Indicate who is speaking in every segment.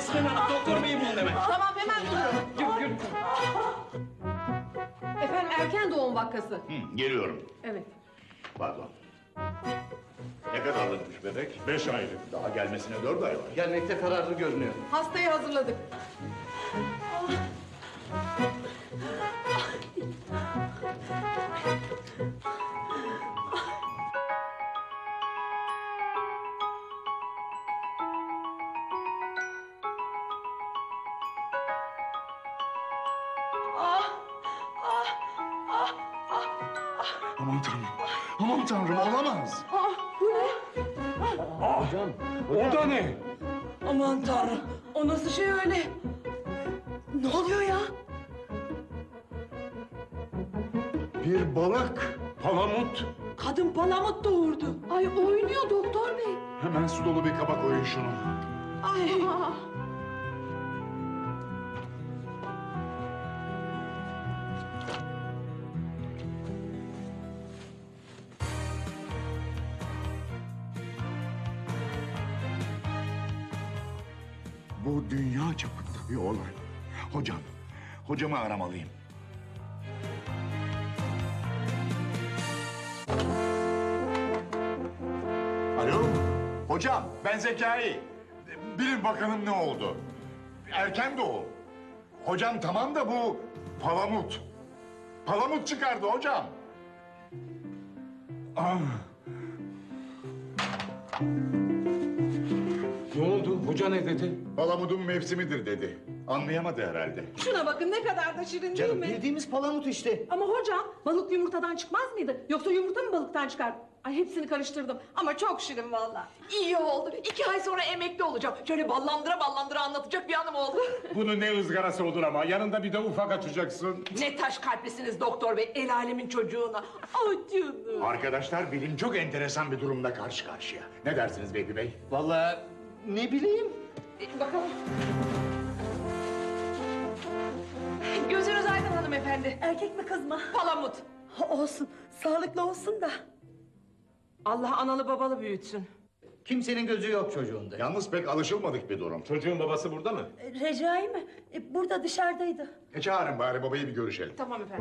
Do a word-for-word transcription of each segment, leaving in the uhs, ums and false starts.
Speaker 1: Esmen Hanım, doktor beyi bulun hemen.
Speaker 2: Tamam hemen bulurum.
Speaker 1: Yürü, yürü.
Speaker 2: Efendim erken doğum vakası.
Speaker 3: Hı, geliyorum.
Speaker 2: Evet.
Speaker 3: Pardon. Ne kadarlıkmış bebek?
Speaker 4: Beş aylık.
Speaker 3: Daha gelmesine dört ay var.
Speaker 1: Gelmekte kararlı görünüyor.
Speaker 2: Hastayı hazırladık.
Speaker 4: Aman tanrım. Aman tanrım olamaz.
Speaker 2: Aa, bu ne?
Speaker 4: Hocam. O da ne?
Speaker 2: Aman tanrım. O nasıl şey öyle? Ne oluyor ya?
Speaker 4: Bir balık. Palamut.
Speaker 2: Kadın palamut doğurdu. Ay oynuyor doktor bey.
Speaker 4: Hemen su dolu bir kaba koyun şunu.
Speaker 2: Ay.
Speaker 4: Bu dünya çapında bir olay. Hocam, hocamı aramalıyım. Alo, hocam ben Zekai. Bilin bakalım ne oldu? Erken doğum. Hocam tamam da bu palamut. Palamut çıkardı hocam. Ah.
Speaker 5: Ne oldu? Hoca ne dedi?
Speaker 4: Palamudun mevsimidir dedi. Anlayamadı herhalde.
Speaker 2: Şuna bakın ne kadar da şirin değil mi?
Speaker 1: Bildiğimiz palamut işte.
Speaker 2: Ama hocam balık yumurtadan çıkmaz mıydı? Yoksa yumurta mı balıktan çıkar? Ay hepsini karıştırdım ama çok şirin vallahi.
Speaker 6: İyi oldu. İki ay sonra emekli olacağım. Şöyle ballandıra ballandıra anlatacak bir hanım oldu.
Speaker 5: Bunun ne ızgarası olur ama yanında bir de ufak açacaksın.
Speaker 6: Ne taş kalplisiniz doktor bey. El alemin çocuğuna. Ah canım.
Speaker 4: Arkadaşlar bilim çok enteresan bir durumla karşı karşıya. Ne dersiniz Vehbi Bey?
Speaker 1: Vallahi ne bileyim.
Speaker 6: E, bakalım. Gözünüz aydın hanımefendi.
Speaker 2: Erkek mi kız mı?
Speaker 6: Palamut.
Speaker 2: Olsun. Sağlıklı olsun da.
Speaker 6: Allah analı babalı büyütsün.
Speaker 1: Kimsenin gözü yok çocuğunda.
Speaker 4: Yalnız pek alışılmadık bir durum.
Speaker 5: Çocuğun babası burada mı?
Speaker 2: Recai mi? E, burada dışarıdaydı.
Speaker 4: E çağırın bari babayı bir görüşelim.
Speaker 6: Tamam efendim.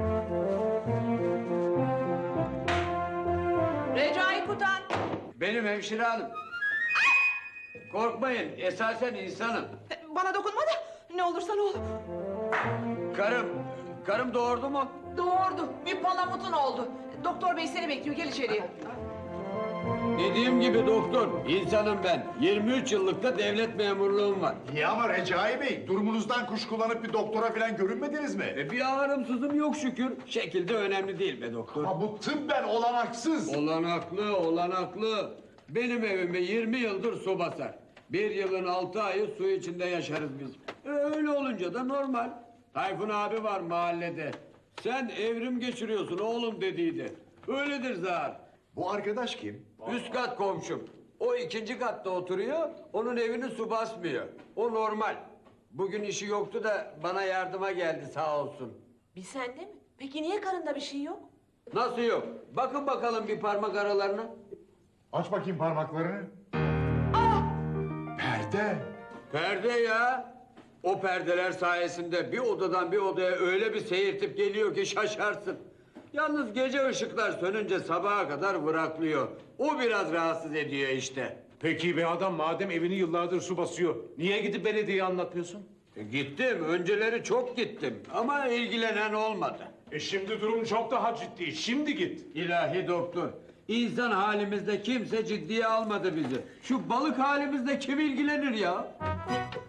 Speaker 6: Recai Kutan.
Speaker 7: Benim hemşire hanım. Korkmayın, esasen insanım.
Speaker 6: E, Bana dokunma da ne olursa ne olur.
Speaker 7: Karım, karım doğurdu mu?
Speaker 6: Doğurdu. Bir palamutun oldu. Doktor bey seni bekliyor. Gel içeriye.
Speaker 7: Dediğim gibi doktor, insanım ben. yirmi üç yıllık da devlet memurluğum var.
Speaker 4: İyi ama Recai Bey, durumunuzdan kuş kullanıp bir doktora falan görünmediniz mi?
Speaker 7: E bir ağrımsızım yok şükür. Şekilde önemli değil be doktor.
Speaker 4: Ama bu tıbben olanaksız.
Speaker 7: Olanaklı, olanaklı. Benim evime yirmi yıldır su basar. Bir yılın altı ayı su içinde yaşarız biz. E, öyle olunca da normal. Tayfun abi var mahallede. Sen evrim geçiriyorsun oğlum dediydi. Öyledir zar.
Speaker 4: Bu arkadaş kim?
Speaker 7: Üst kat komşum. O ikinci katta oturuyor, onun evini su basmıyor. O normal. Bugün işi yoktu da bana yardıma geldi sağ olsun.
Speaker 6: Bir sende mi? Peki niye karında bir şey yok?
Speaker 7: Nasıl yok? Bakın bakalım bir parmak aralarına.
Speaker 4: Aç bakayım parmaklarını. Perde.
Speaker 7: Perde ya. O perdeler sayesinde bir odadan bir odaya öyle bir seyirtip geliyor ki şaşarsın. Yalnız gece ışıklar sönünce sabaha kadar vıraklıyor. O biraz rahatsız ediyor işte.
Speaker 5: Peki be adam madem evini yıllardır su basıyor, niye gidip belediyeye anlatmıyorsun?
Speaker 7: E, gittim, önceleri çok gittim ama ilgilenen olmadı.
Speaker 5: E şimdi durum çok daha ciddi, şimdi git.
Speaker 7: İlahi doktor, insan halimizde kimse ciddiye almadı bizi. Şu balık halimizde kim ilgilenir ya?